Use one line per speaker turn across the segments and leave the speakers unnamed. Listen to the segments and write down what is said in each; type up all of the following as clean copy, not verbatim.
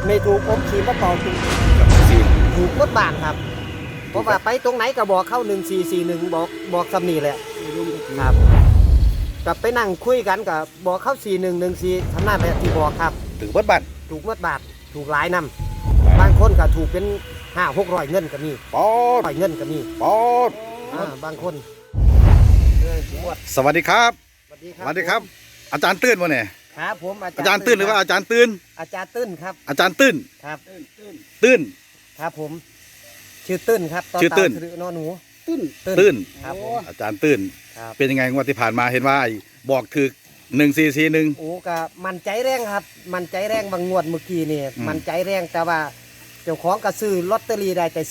ไม่ถูกผมขี่มาเป่าถูก
กับสี่
ถูกรถบานครับเพราะว่าไปตรงไหนก็บอกเข้า1441บอกสำนีแหละครับกับไปนั่งคุยกันกับบอกเข้า4114ทำหน้าแบบที่บอกครับ
ถือเบิดบัตร
ถูกรถบาทถูกหลายนำบางคนก็ถูกเป็น500-600เงินก็มี
ปอด
100เงินก็มี
ปอด
บางคนงวด
สวัสดีครับ
สวัสดีค
ส
รับ
วัสดีครับ อาจารย์ตื้นวะเนี่ย
ครับผม
อาจารย์ตื้นหรือว่าอาจารย์ตื้น
อาจารย์ตื้นครับ
อาจารย์ตื้น
ครับ
ตื้น
ครับผมชื่อตื้นครับ
ชื่อตื้น
หรือนอหนู
ตื้น
ครับผม
อาจารย์ตื้น
ครับ
เป็นยังไงงวดที่ผ่านมาเห็นว่าบอกถือ1441
โอ้ก็มันใจแรงครับ มันใจแรงบางงวดเมื่อกี้นี่
อืม
มันใจแรงแต่ว่าเจ้าของก็ซื้อลอตเตอรี่ได้แต่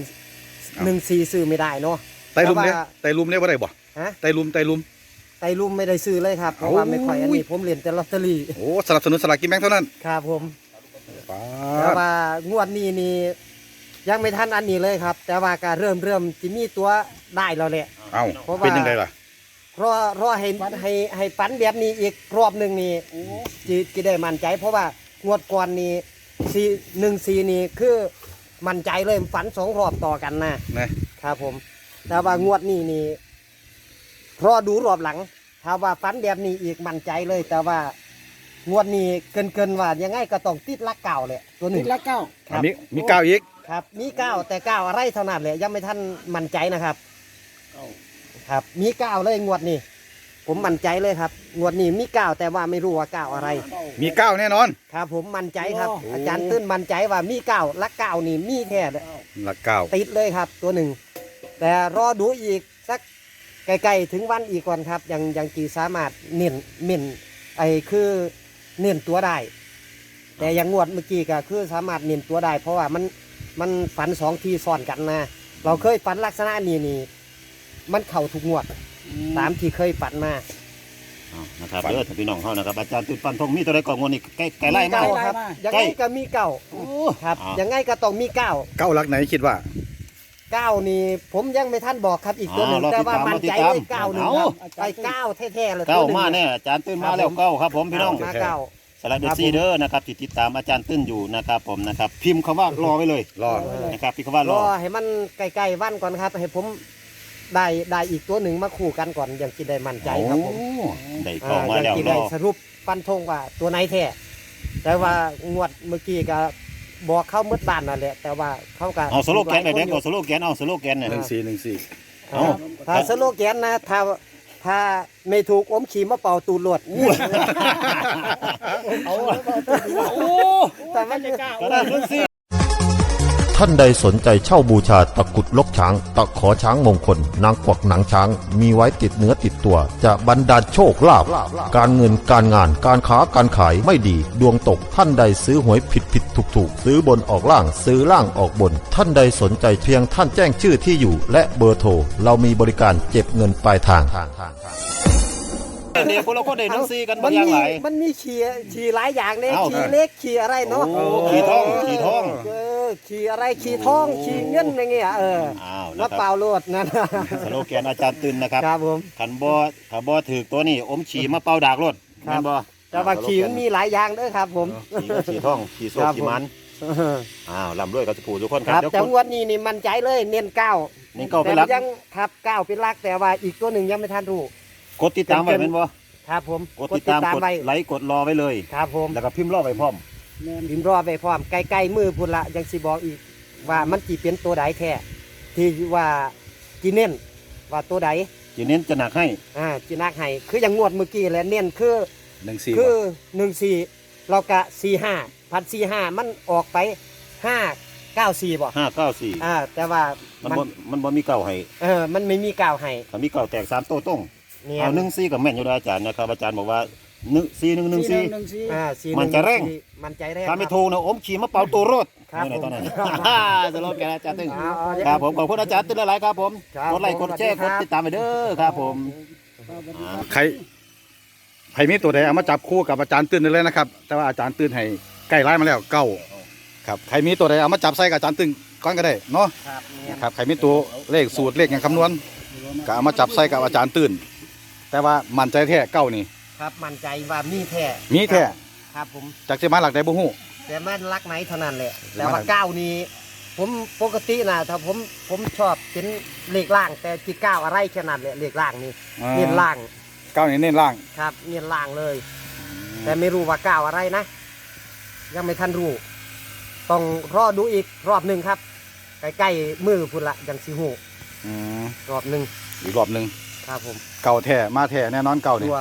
4114ซื้อไม่ได้เนาะ
ไตรลุมเนี่ย
แต่ว่า
ไตรลุมเนี่ยว่าได้บ่
ฮะ
ไตรลุม
ไตรุ่มไม่ได้ซื้อเลยครับเพราะว่าไม่ค่อยอันนี้ผมเรียนแต่ลอตเตอรี่
โอ้สนับสนุนสลากกินแบ่งเท่านั้น
ครับผม
ป๊า
แต่
ด
ว่างวดนี้นี่ยังไม่ทันอันนี้เลยครับ แต่ว่าก็เริ่มจะมีตัวได้แล้วแหละ
เอ้า
เพราะว่า
เป็นยังไงล่ะ
รอให้ฝันแบบนี้อีกรอบหนึ่งนี่จะได้มั่นใจ เพราะว่างวดก่อนนี่14นี่คือมั่นใจเลยฝัน2 รอบต่อกันนะ
นะครับ
ผม แต่ว่างวดนี้นี่รอดูรอบหลังถ้าว่าฝันแบบนี้อีกมั่นใจเลย แต่ว่างวดนี้เกินว่ายังไงก็ต้องติดลักเก่าแหละตัวหนึ่ง
ละเก้า
ครับ
มีก้าวอีก
ครับมีเก้าแต่เก้าอะไรเท่านั้นแหละยังไม่ทันมั่นใจนะครับ ครับมีเก้าเลยงวดนี้ผมมั่นใจเลยครับงวดนี้มีเก้าแต่ว่าไม่รู้ว่าเก้าอะไร
มีก้าวแน่นอน
ครับผมมั่นใจครับ
โอ้
อาจารย์ตื้นมั่นใจว่ามีเก้าลักเก้านี่มีแท้
หลักก้าว
ติดเลยครับตัวหนึ่งแต่รอดูอีกสักใกล้ๆถึงวันอีกก่อนครับยังจีสามารถเน้นไอ้คือเน้นตัวได้ แต่อยังงวดเมื่อกี้ก็คือสามารถเน้นตัวได้ เพราะว่ามันฝัน2 ทีซ้อนกันนะเราเคยฝันลักษณะนี้นี่มันเข่าทุกงวดตามที่เคยฝันมา
นะครับเด้อท่านพี่น้องเขานะครับอาจารย์ตื่นปันทงมีตัวใดก่อนงวดนี้ใกล้ไล่มา
เก้าครับยังไงก็มีเก้าครับ
อ้าว
ยังไงก็ต้องมีเก้า
ก้าวหลักไหนคิดว่า
เก้านี่ผมยังไม่ทันบอกครับอีกตัวหนึ่งแต่ว่ามั่นใจเลยเก้าหนึ่งครับไปเก้าแท้ๆเลย
เก้า
ตัวหนึ่ง
มาแน่อาจารย์ตื่นมาแล้วเก้าครับผมพี่น้อง
มาเก้า
สไลด์เดอร์ซีเดอร์นะครับที่ติดตามอาจารย์ตื่นอยู่นะครับผมนะครับพิมพ์คำว่ารอไว้เลย
รอ
นะครับพิมพ์คำว่าร ร
อให้มันใกล้ๆวันก่อนครับให้ผมได้อีกตัวหนึ่งมาคู่กันก่อนยังกินได้มั่นใจครับผม
โอ้ได้เข้ามา
ยั
แล้ว
กิน
ร
ได้
อ
สรุปฟันธงว่าตัวไหนแท้แต่ว่างวดเมื่อกี้ก็บอกเข้ามืดบ้านนั่นแหละแต่ว่าเขาก็
เอาสโลแกนไปเด็กเอาสโลแกนเอาสโลแกนเนี่ย
1414
เอา
ถ้าสโลแกนนะถ้าไม่ถูกอมขี่มาเป่าตูดหลวด
เอา
แต่มัน
ก็ได้รุ่นซี
ท่านใดสนใจเช่าบูชาตะกรุดลกช้าง ตะขอช้างมงคล นางกวักหนังช้าง มีไว้ติดเนื้อติดตัว จะบรรดาลโชคลาภการเงินการงานการค้าการขายไม่ดี ดวงตกท่านใดซื้อหวยผิดถูกซื้อบนออกล่างซื้อล่างออกบน ท่านใดสนใจเพียงท่านแจ้งชื่อที่อยู่ และเบอร์โทรเรามีบริการเก็บเงินปลายทาง
เด็กพวกเราก็ได้รุ่นซีกัน
มั
บางอย่างหลาย
มันมีขี่หลายอย่างเนี่ย
เอ้า
ขี่เล็กขี่อะไรเนาะ
โอ้ขี่ทองขี่ทอง
ขี่อะไรขี่ทองขี่เงินอะไรเงี้ย
อ้าว
แล้
นะ
ว
ค
เป
รับ
ล่าโลดนั่น
สโลแกนอาจารย์ตื่นนะครับ
ครับผม
ขันบ่ถือตัวนี้อมฉี่มาเป่าดากรถ
ครับ
แม่นบ่
แต่ว่าขี่มันมีหลายอย่างเด้วยครับผม
ขี่ท่องขี่โซ่
ครับ
ขี่มันอ้าวลำด้วยกับสปูทุกคน
ค
ค
รั
รั
บบ แต่งวดนี้นี่มั่นใจเลยเน้นเก้า
นี่เก้าไป
แต่
รัก
ยังครับเก้าเป็นหลักแต่ว่าอีกตัวหนึ่งยังไม่ทันรู้
กดติดตามไว้เป็นบ่
ครับผม
กดติดตามกด
ไว้
ไลค์กดรอไว้เลย
ครับผม
แล้วก็พิมพ์รอไว้พร้อม
พิมพ์รอไปพร้อมใกล้ๆมือพุ่นละยังสิบอกอีกว่ามันจีเป็นตัวใดแท้ที่ว่าจีเน้นว่าตัวใด
จีเน้นจะหนักให้
จีนักให้คืออย่างงวดเมื่อกี้แหละเน้นคือ
14
คือ14เรากะ45,405มันออกไป594บ่
594
แต่ว่า
มันบ่มีเก้าให้
มันไม่มีกล่าวให้
ถ้ามีเก้าแตก3โต้ตรง
เนี่ย
เอา14กับแม่นอยู่แล้วอาจารย์นะครับอาจารย์บอกว่า4114 มันจะแรง
มันใจแรง
ถ้าไม่ถูกนะอมขี่มาเป่าตัวรถ
ครับ
นี่
ผม
ตอนนั้นสโลแกนอาจารย์ตึง
เอา
ครับผมขอบคุณอาจารย์ตึงหลายๆครับผม
ครับ
กดไลค์กดแชร์
ข
ก
อบ
ด
คุณครับ
ติดตามไปเด้อครับผม
ใครมีตัวใดเอามาจับคู่กับอาจารย์ตื้นได้เลยนะครับ แต่ว่าอาจารย์ตื้นให้ใกล้ไล่มาแล้วเก้าครับใครมีตัวใดเอามาจับใส่กับอาจารย์ตื้นก้อนก็ได้เนาะ
ครับเนี่ย
ครับใครมีตัวเลขสูตรเลขอย่างคำนวณก็เอามาจับใส่กับอาจารย์ตื้นแต่ว่ามั่นใจแท้เก้านี่
ครับมั่นใจว่ามีแท้
มีแท้
ครับผม
จากเสียมาหลักใดบ่ฮู้
แต่มันรักไหนเท่านั้นแหละแต่ว่าเก้านี้ผมปกตินะถ้าผมชอบเป็นเลขล่างแต่จีเก้าอะไรแค่นั้นแหละเลขล่างนี่เน้นล่าง
เก้านี่เน้นล่าง
ครับเน้นล่างเลย แต่ไม่รู้ว่าเก้าอะไรนะ ยังไม่ทันรู้ต้องรอดูอีกรอบหนึ่งครับใกล้ๆมือพุ่นละยังสิหู
อืม
รอบหนึ่ง
อีกรอบหนึ่ง
ครับผม
เก่าแท้มาแท้แน่นอนเก่านี่
ตัว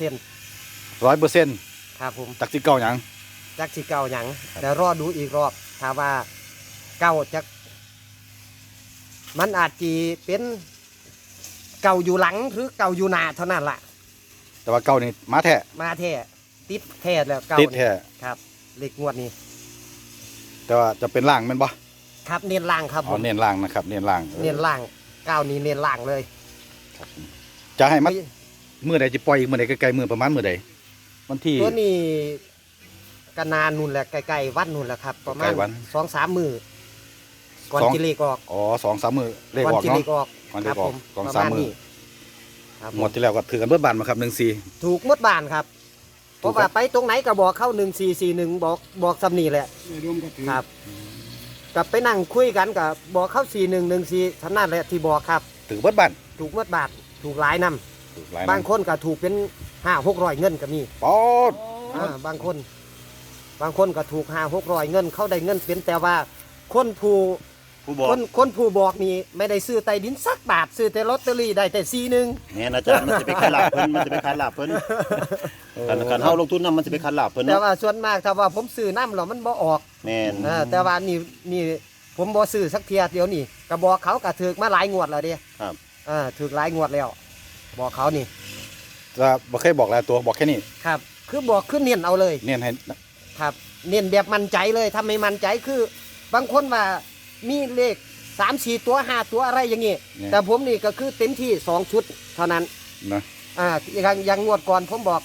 100%
100%
ครับผม
จากที่เก่าหยัง
จักสิเก่าหยังแต่รอดูอีกรอบถ้าว่าเก่าจักมันอาจจะเป็นเก่าอยู่หลังหรือเก่าอยู่หน้าเท่านั้นล่ะ
แต่ว่าเก่านี่มาแท้
มาแท้ติดแท้แล้วเก่า
ติดแท้
ครับเลขงวดนี้
แต่ว่าจะเป็นล่างแม่นบ่
ครับเน้นล่างครับ
อ๋
ผ
อ
ม
เน้นล่างนะครับเน้นล่าง
เน้นล่างเก้านี้เน้นล่างเลย
จะให้มันมื้อใดจะปล่อยอีกมื้อใดใกล้ๆมื้อประมาณมื้อใดวันที่
ตัวนี้ก็นานนู่นแหละใกล้ๆวันนู่นแหละครับ ประมา
ใก
ณ
ล้วัน
2-3 มื้อก่อน
สอง
จิเลขออก
อ๋อ2-3มื้อเลข
ก่อน
ออก
จิเล
เนาะ
ขออก
ก่อนเล
ครั
ขออก
ผม
สอง
ประ
สาม
มาณ
มื้อ
นี้ครับ
หมดที่แล้วก็ถือกันเบิดบานมาครับ14
ถูกหมดบ้านครับเพราะว่าไปตรงไหนก็บอกเข้า1441บอกสำนีแหละครับกลับไปนั่งคุยกันกับบอกเข้า4114ท่านั้นแหละที่บอกครับ
ถือเบิดบาน
ถูกหมดบาทถูกหลายนำ
ถูกหลาย
บางคนก็ถูกเป็น500-600เงินก็มี
ป๊อด
บางคนก็ถูก500-600เงินเขาได้เงินเป็นแต่ว่าคนผู้
ผู้บอก
คนผู้บอกนี่ไม่ได้ซื้อใต้ดินสักบาทซื้อแต่ลอตเตอรี่ได้แต่41
แม่นอาจารย์มันจะไปขายลาบเพิ่นมันจะไปขายลาบเพิ่นการเฮาลงทุนนำมันจะไปขายลาบเพิ่น
แต่
เนาะ
ว่าส่วนมากถ้าว่าผมซื้อน้ำแล้วมันบ่ออก
แม่น
แต่ว่านี่ผมบ่ซื้อสักเทียเดียวนี่ก็บอกเขาก็ถือมาหลายงวดแล้วเด้
ครับ
ถือหลายงวดแล้ว บอกเขานี่
จะบ่เคยบอกหลายตัวบอกแค่นี้
ครับ คือบอกขึ้นเน้นเอาเลย
เน้นให้
ครับเน้นแบบมั่นใจเลยถ้าไม่มั่นใจคือบางคนว่ามีเลข3-4 ตัว5 ตัวอะไรอย่างงี้แต่ผมนี่ก็คือเต็มที่2 ชุดเท่านั้น
นะ
อย่างงวดก่อนผมบอก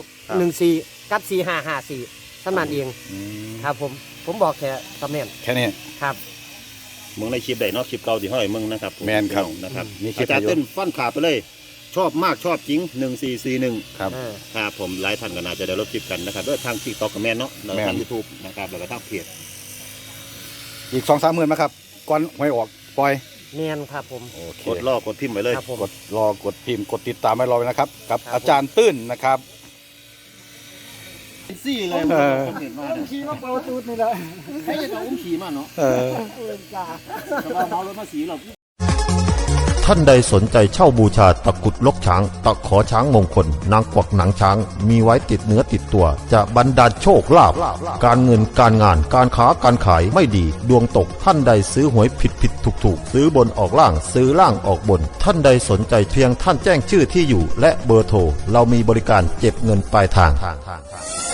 4114กับ4554เท่านั้นเอง
อืม
ครับผมบอกแค่ตำแหน่ง
แค่นี้
ครับ
มึงในคลิปได้เนาะคลิปเก่าที่ห้อยมึงนะครับ
แม่นครับ
นะครับ
มีคลิป
อาจารย์
อยู่
เต้นฟันขาดไปเลย ชอบมากชอบจริง1441
ครับ
ครับผมหลายท่านก็น่าจะได้รับคลิปกันนะครับด้วยทาง TikTok กับแม่นเนาะแล้ว
แม่น
ทาง YouTube นะครับแล้วก็ทางเพจ
อีก 2-3 มื้อนะครับก่อนหวยออกปล่อย
เมียนครับผม
โอเค
กดรอกดพิมพ์ไว้เลย
ครับผม
กดรอกดพิมพ์กดติดตามไว้รอไว้นะครับกับ
ครับ
อาจารย์ตื้นนะครับ
ซี่เลย
เออ
คนเห็นมาเนี่ย
ขี่มาเปิดตูดนี่แหละ
ให้จะต้องอุ้มขี่มาเนาะ
เออ
แต่ว่าเมารถมาสีหรอก
ท่านใดสนใจเช่าบูชาตะกรุดลกช้าง ตะขอช้างมงคล นางกวักหนังช้าง มีไว้ติดเนื้อติดตัว จะบรรดาลโชคลาภการเงินการงานการค้าการขายไม่ดี ดวงตกท่านใดซื้อหวยผิดถูกซื้อบนออกล่างซื้อล่างออกบน ท่านใดสนใจเพียงท่านแจ้งชื่อที่อยู่ และเบอร์โทรเรามีบริการเก็บเงินปลายทาง